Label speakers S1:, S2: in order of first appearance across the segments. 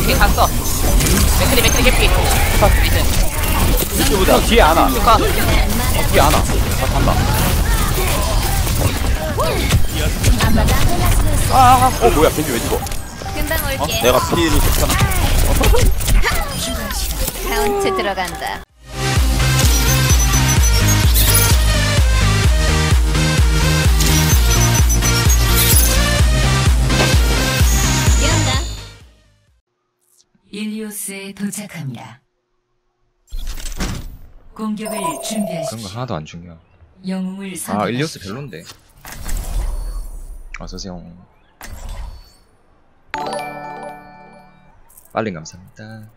S1: 맥크리 갔어. 맥크리 개피.
S2: 이쪽보다 뒤에 안와.
S1: 축하.
S2: 뒤에 안와. 다 간다. 뭐야 벤지 왜 죽어?
S3: 금방 올게.
S2: 내가 피해를 줬잖아.
S3: 카운트 들어간다.
S4: 일리오스에 도착합니다. 공격을 준비하십시오.
S5: 그런 거 하나도 안 중요해.
S4: 영웅을
S5: 아
S4: 선택하십시오.
S5: 일리오스 별론데. 어서오세요. 빨리 감사합니다.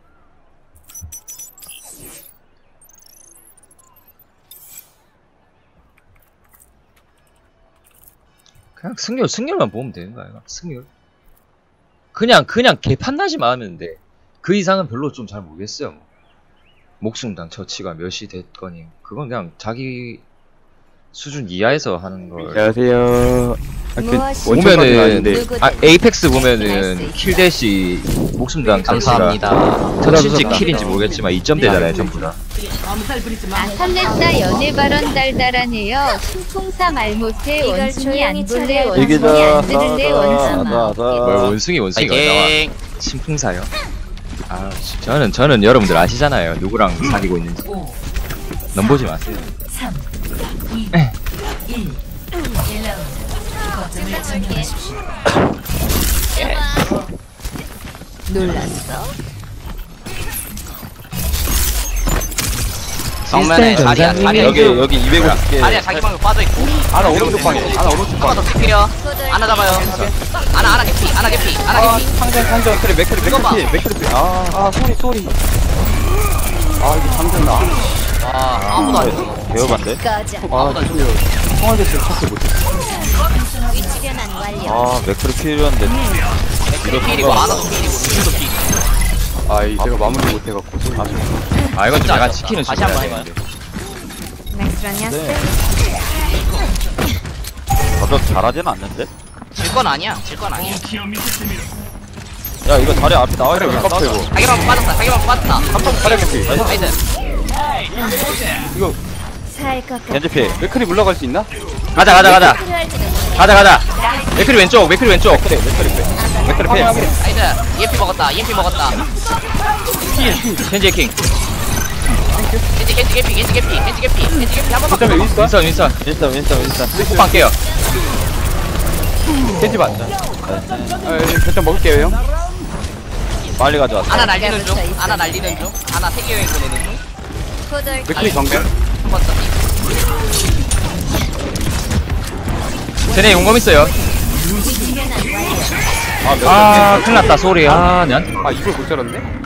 S5: 그냥 승률만 보면 되는 거야. 승률. 그냥 개판나지만 하면 돼. 그 이상은 별로 좀 잘 모르겠어요. 목숨당 처치가 몇이 됐거니 그건 그냥 자기 수준 이하에서 하는 걸.
S2: 안녕하세요.
S5: 보면은 에이펙스 보면은 킬대시 목숨당 처치가
S1: 감사합니다.
S5: 터치인지 킬인지 모르겠지만 2점 되잖아요 전부 다.
S3: 설렜다 연애 발언 달달하네요. 신풍사 말 못해 원숭이 안 볼래 원숭이
S2: 얘기자.
S3: 안 들을래 원숭아.
S5: 뭘 원숭이가 나와.
S1: 파이팅.
S5: 신풍사요. 아 저는 여러분들 아시잖아요 누구랑 사귀고 있는지.
S4: 5,
S5: 넘보지 마세요.
S4: 3, 2, 1. 1라운드. 거점을 점령하십시오.
S3: 놀랐어?
S1: 정면에 자리야
S2: 여기 250개.
S1: 자리야 자기 방에 빠져있고.
S2: 하나 오른쪽 방에. 하나 오른쪽
S1: 하나
S2: 방에.
S1: 더 킬게요. 하나 잡아요. 하나 개피.
S2: 상전 그래 맥크리. 소리. 이거 상전나.
S1: 아무도 안 죽어.
S2: 배워봤네.
S3: 꺼져.
S2: 통화대실 찾지 못해.
S3: 위치 변환 완료.
S2: 맥크리 필요한데.
S1: 맥크리 필이고 아나도 필이고 루시도 필.
S2: 제가 마무리 못해갖고.
S5: 아 이건 좀
S1: 진짜
S5: 약간 치킨은
S1: 다시
S5: 좀
S1: 한번
S5: 해야
S1: 해봐요.
S5: 되는데.
S3: 맥스라냐스?
S2: 저도 잘하진 않는데?
S1: 질 건 아니야.
S2: 야 이거 다리 앞에 나와있어. 왜 깝쳐 이거.
S1: 자기방 빠졌다.
S2: 한번 다리 개피.
S1: 나이스.
S2: 이거
S3: 살 것 같아.
S2: 겐지피. 맥크리 물러갈 수 있나?
S5: 가자.
S3: 필요할지도 모르겠어.
S5: 가자. 맥크리 왼쪽.
S2: 맥크리 필.
S1: 나이스. EMP 먹었다.
S5: 켄지 킹.
S1: 겐지 개피. 한 번만.
S2: 거점에 윈스턴?
S5: 윈선.
S2: 호빵 깨요. 겐지 맞자. 거점 먹을게요 형. 빨리 가져왔어.
S1: 하나 날리는 중. 하나 3개 웨이 보내는 중.
S3: 고돌
S2: 맥크리 정면.
S1: 한번 더.
S5: 쟤네 용검 있어요.
S3: 위치 변환 완료.
S5: 큰일 났다 소리. 내한테.
S2: 이걸 못 잘랐네?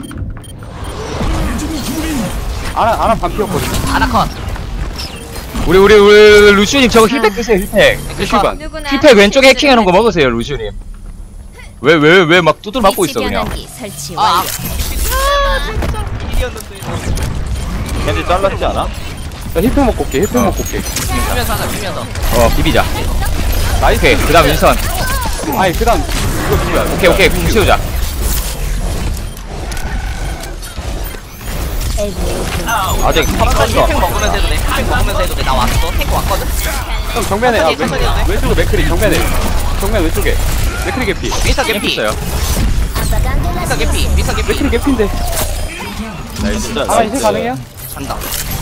S2: 아나 반 피었거든.
S1: 하나 컷.
S5: 우리 루시우님 저거 힐팩 드세요 힐팩.
S2: 슈반.
S3: 누구나
S5: 힐팩 왼쪽에 해킹하는 거 먹으세요 루시우님. 왜 막 두들 맞고 있어
S3: 위치
S5: 그냥.
S3: 변환기 설치 완료.
S2: 겐지 잘랐지 않아? 나 힐팩 먹고 올게.
S1: 피면서.
S5: 비비자.
S2: 나이스.
S5: 오케이 그다음 윈선.
S2: 그다음 이거 누구야?
S5: 오케이 궁 채우자.
S2: 아직
S1: 힐팩 먹으면서 해도 돼. 나 왔어. 탱크 왔거든.
S2: 형 정면에 왼쪽에 맥크리 정면 왼쪽에 맥크리 개피.
S1: 미스터 개피.
S5: 있어요.
S2: 맥크리 개피인데. 나이스. 인쇄 가능해요?
S1: 간다.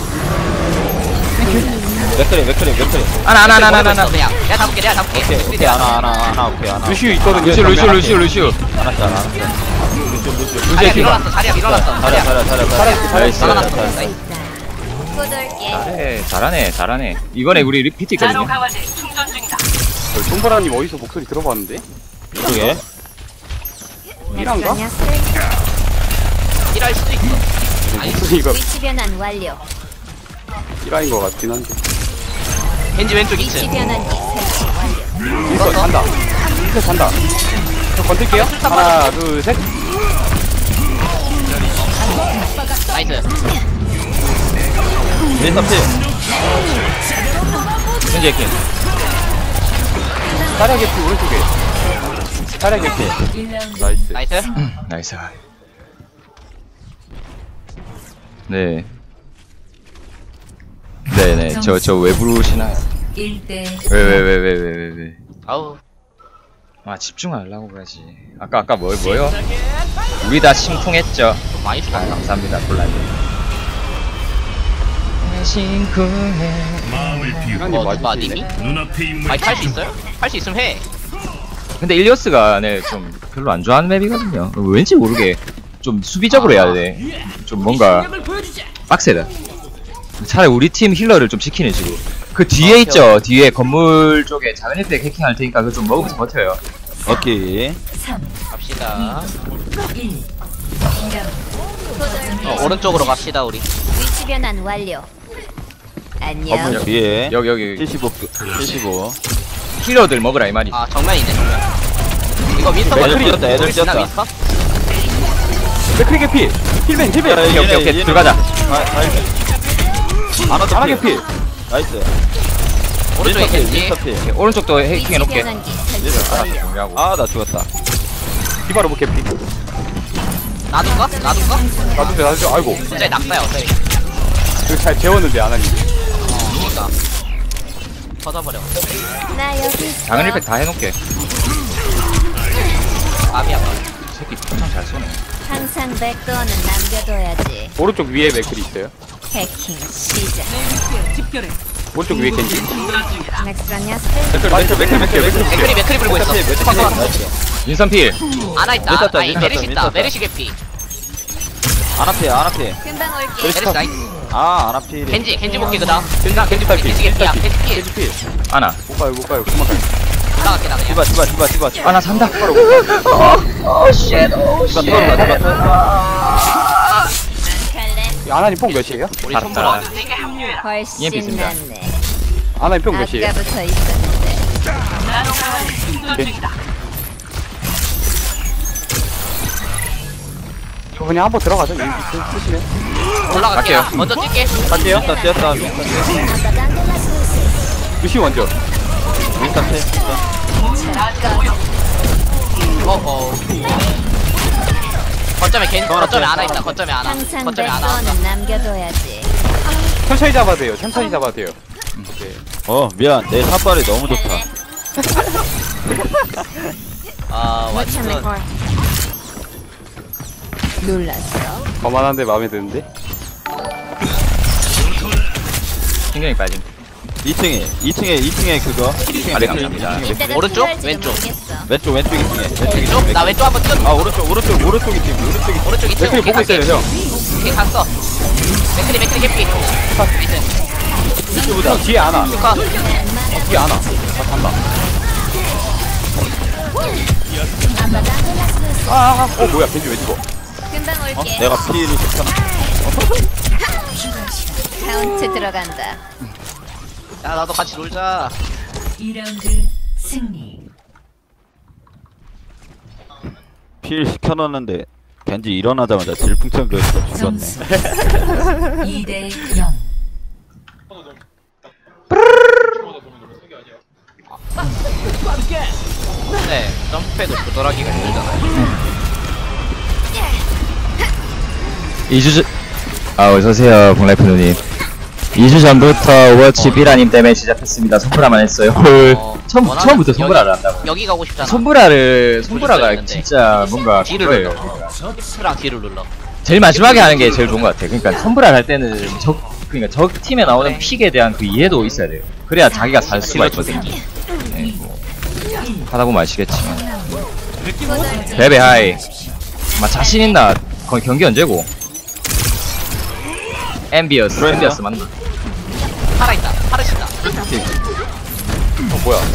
S2: 맥크리.
S5: 하나.
S1: 그냥 내가 잡을게.
S2: 오케이 하나. 루시우 있거든요.
S5: 루시우.
S2: 루시우
S1: 자리야 밀어놨어. 자리야.
S2: 나이스.
S3: 고돌게.
S5: 잘하네. 이번에 우리 리피트 있거든요.
S2: 손보라님 어디서 목소리 들어봤는데? 이쪽에? 이란가?
S3: 맥스라냐스?
S1: 일할 수도 있어.
S2: 목소리가
S3: 위치 변환 완료.
S2: 이라인 것 같긴 한데.
S1: 겐지 왼쪽
S3: 위치
S1: 2층.
S3: 변환기 설치 완료.
S2: 이거 간다. 저 건들게요. 하나, 둘, 셋.
S1: 나이스.
S2: 윈스턴 필.
S5: 켄지 해킹.
S2: 다리 개피 오른쪽에. 차례 개피.
S4: 1라운드
S2: 나이스.
S1: 나이스.
S5: 나이스. 네. 네네. 저 왜 부르시나요?
S4: 1대
S5: 왜.
S1: 아우.
S5: 아, 집중하려고 그러지. 아까 뭐요? 우리 다 심쿵했죠.
S1: 좀 많이
S5: 아,
S1: 죽었다.
S5: 감사합니다, 콜라님. 심쿵해.
S2: 시간이
S1: 누가
S2: 맞으시네.
S1: 님이? 아니 탈 수 있어요? 할 수 있으면 해.
S5: 근데 일리어스가 네, 좀 별로 안 좋아하는 맵이거든요. 왠지 모르게 좀 수비적으로 해야 돼. 좀 뭔가 빡세다. 차라리 우리 팀 힐러를 좀 지키는 식으로. 그 뒤에 있죠. 뒤에 건물 쪽에 작은 혜택 해킹할 테니까 그거 좀 먹으면서 버텨요.
S6: 오케이.
S4: 3
S1: 갑시다.
S4: 1
S1: 오른쪽으로 갑시다 우리.
S3: 위치 변환 완료. 안녕.
S6: 건물 뒤에
S5: 여기
S6: 75
S5: 힐러들 먹으라 이 말이.
S1: 아 정면이네 정면. 이거 윈스터
S6: 애들
S1: 먼저
S6: 뛰었다, 애들
S1: 우리 지나
S6: 뛰었다.
S1: 윈스터?
S2: 맥크리 개피. 힐맨.
S5: 오케이 들어가자.
S2: 하나 개피.
S6: 나이스.
S1: 오른쪽에 겐지.
S6: 윈스터피.
S5: 오른쪽도 해킹해
S3: 위치
S5: 놓게.
S3: 변환기 설치 완료.
S5: 정리하고.
S6: 아나 죽었다.
S2: 디바로 뭐 개피.
S1: 놔둘까?
S2: 나도 아이고.
S1: 진짜 낙사야 어차피.
S2: 이거 잘 재웠는데 안 하니.
S1: 그니까. 터져버려.
S3: 나 여기 있어.
S5: 작은 힐팩 다 해놓게.
S1: 아비야.
S5: 새끼 엄청 잘 쏘네.
S3: 항상 백도어는 남겨둬야지.
S2: 오른쪽 위에 맥크리 있어요.
S3: 해킹 시작.
S2: 오른쪽 위에 겐지.
S3: 맥스라냐스.
S1: 맥크리 불고 있어.
S5: 윈선 필.
S1: 아나 있다.
S6: 윈스터,
S1: 아니
S6: 윈스터,
S1: 메르시 있다.
S6: 윈스터.
S1: 메르시 개피.
S6: 안 앞에.
S3: 금방 올게.
S1: 메르시 나이스.
S6: 안 앞에.
S1: 겐지 볼게 그다음. 겐지 개피야. 겐지 피.
S2: 겐지 피.
S5: 아나.
S2: 못 가요. 그만 가요.
S1: 나갈게 나 그냥.
S6: 디바.
S5: 아나 산다.
S6: 디바
S2: 아나님 뽕 몇이에요?
S1: 우리
S5: 알았다.
S1: 손보라.
S3: 훨씬
S5: EMP입니다.
S3: 낫네.
S2: 아나님 뽕 몇이에요?
S3: 아까부터 있었는데.
S2: 저 그냥 한번 들어가죠. 여기 쓰시네.
S1: 올라갈게.
S5: 갈게요.
S1: 먼저 뛸게.
S2: 갈게요.
S6: 뛰었다.
S2: 루시 먼저.
S6: 윈스터피.
S1: 거점에 하나 있다. 거점에 하나.
S3: 항상
S1: 거점에 하나.
S3: 백도어는 남겨둬야지.
S2: 천천히 잡아도 돼요. 오케이.
S6: 미안. 내 샷발이 너무 좋다.
S1: 아
S3: 못 참을
S1: 완전.
S3: 걸. 놀랐어.
S2: 거만한데 마음에 드는데?
S5: 신경이 빠짐.
S6: 2층에 그거. 2층에
S5: 아, 네,
S6: 맥크리.
S5: 감사합니다.
S3: 이때가
S1: 오른쪽?
S3: 필요할지도
S1: 왼쪽?
S3: 모르겠어.
S6: 왼쪽 2층에.
S1: 나 왼쪽 한번 뛰어.
S6: 오른쪽이 팀.
S1: 오른쪽 이쪽.
S2: 맥크리 보고 있어요, 형.
S1: 오케이 갔어. 맥크리 개피.
S2: 형 뒤에 아나.
S1: 축하.
S2: 뒤에 아나. 간다. 뭐야, 겐지 왜 죽어?
S3: 금방 올게.
S6: 내가 피를 좋잖아.
S3: 카운트 들어간다.
S1: 야 나도 같이 놀자.
S4: 2라운드 승리.
S6: 필 시켜놨는데 겐지 일어나자마자 질풍천 그에서 죽었네.
S4: 점수 2대 0.
S1: 네. 점프패드 조절하기가 힘들잖아요.
S5: 2주 전... 어서오세요, 봉라이프 누님. 2주 전부터 오버워치 비라님 때문에 시작했습니다. 손브라만 했어요. 헐. 처음부터 손브라를 한다고.
S1: 여기 가고 싶잖아.
S5: 손브라가
S1: 있는데.
S5: 진짜 뭔가
S1: 뒤를
S5: 그거예요.
S1: 눌러. 스랑 뒤를 눌러.
S5: 제일 마지막에 하는 게 제일 좋은 것 같아. 그러니까 손브라를 할 때는 그러니까 적 팀에 나오는
S1: 그래.
S5: 픽에 대한 그 이해도 있어야 돼요. 그래야 자기가 살 수가 있거든. 네, 뭐 하다 보면 아시겠지만. 베베 하이. 막 자신 있나? 거의 경기 언제고? 엠비어스 맞나?
S1: 살아있다. 살으신다.
S2: 뭐야.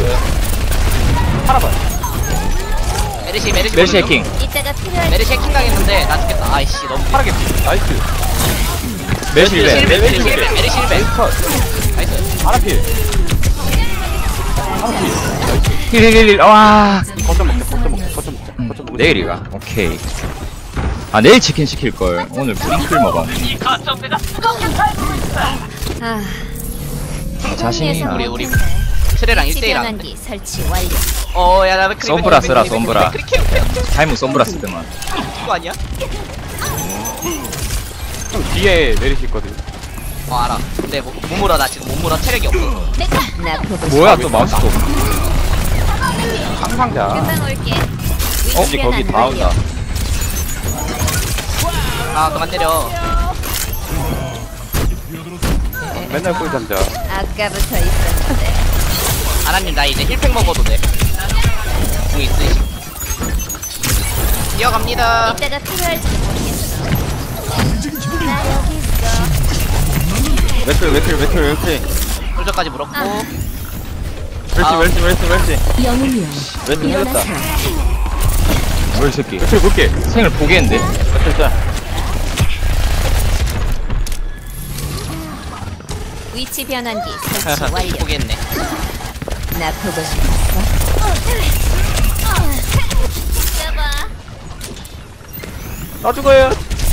S2: 팔아봐.
S1: 메르시
S5: 멜시 해킹.
S3: 이때가 필요할
S1: 메르시 해킹 당했는데 나 죽겠다. 아이씨 너무
S2: 파랗게 나이스.
S5: 멜시
S1: 메르시
S5: 1벤.
S1: 메르시 1벤. 메르시 1벤.
S2: 컷.
S1: 나이스.
S2: 아나필.
S5: 힐. 와.
S2: 거점 먹자.
S5: 내일이가. 오케이. 아 내일 치킨 시킬 걸. 오늘 프링클 먹어.
S3: 아,
S5: 자신이
S3: 예상
S1: 우리
S3: 못했네.
S1: 트레랑
S3: 위치
S1: 1대1 하는데.
S3: 변환기 설치 완료.
S1: 어야 나 맥크리.
S5: 솜브라 쓰라, 솜브라.
S1: 맥크리
S5: 타이밍 솜브라 쓰더만.
S1: 이거 아니야?
S2: 형 뒤에 내리실 있거든.
S1: 알아. 근데 못 물어 나 지금 못 물어 체력이 없어.
S3: 나 보고
S5: 뭐야 또 마우스 또.
S2: 상상자.
S3: 금방 올게.
S6: 겐지 거기 다 온다.
S1: 아 그만 때려.
S2: 맨날 꿀잠자.
S3: 아까부터 있었는데.
S1: 아나님 나 이제 힐팩 먹어도 돼. 궁 있으시. 뛰어갑니다.
S3: 이따가 필요할지 모르겠어. 나 여기 있어.
S6: 맥크리.
S1: 솔저까지 물었고.
S6: 멸치.
S3: 영웅이여.
S6: 멸치 살렸다.
S5: 뭐야 이 새끼.
S2: 맥크리 볼게.
S5: 생을 포기했는데.
S6: 멸치 짜.
S3: 위치 변환기 설치 완료.
S1: 포기했네.
S3: 나 보고 싶었어. 잡아.
S2: 나 죽어요.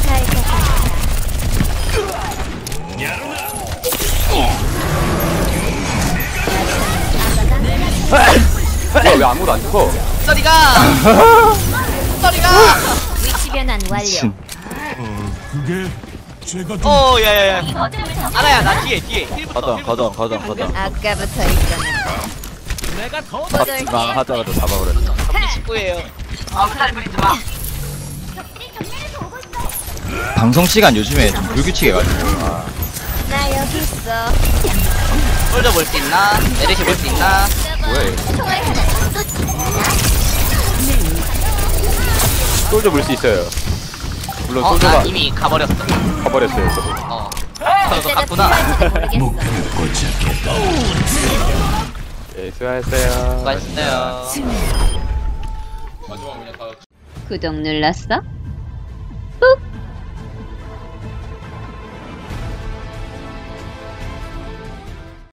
S2: 왜 아무도 안 죽어?
S1: 쏘리가. 쏘리가.
S3: 위치 변환 완료.
S1: 야야야. 아나야 나 뒤에 힐부터.
S6: 가자.
S3: 아까부터 있었는데.
S6: 막 하자마자 잡아버렸네.
S1: 19예요. 아무탈 부리지 마.
S5: 방송 시간 요즘에 좀 불규칙해가지고.
S3: 나 여기 있어.
S1: 솔저 볼 수 있나? 메르시 볼 수 있나?
S2: 뭐야 얘. 솔저 물 수 있어요. 물론
S1: 나
S2: 솔저가
S1: 이미 가버렸어.
S2: 가버렸어요. 저도.
S1: 너도
S3: 이따가
S1: 갔구나.
S3: 필요할지도 모르겠어.
S2: 예, 수고하셨어요.
S1: 맛있어요.
S3: 구독 눌렀어?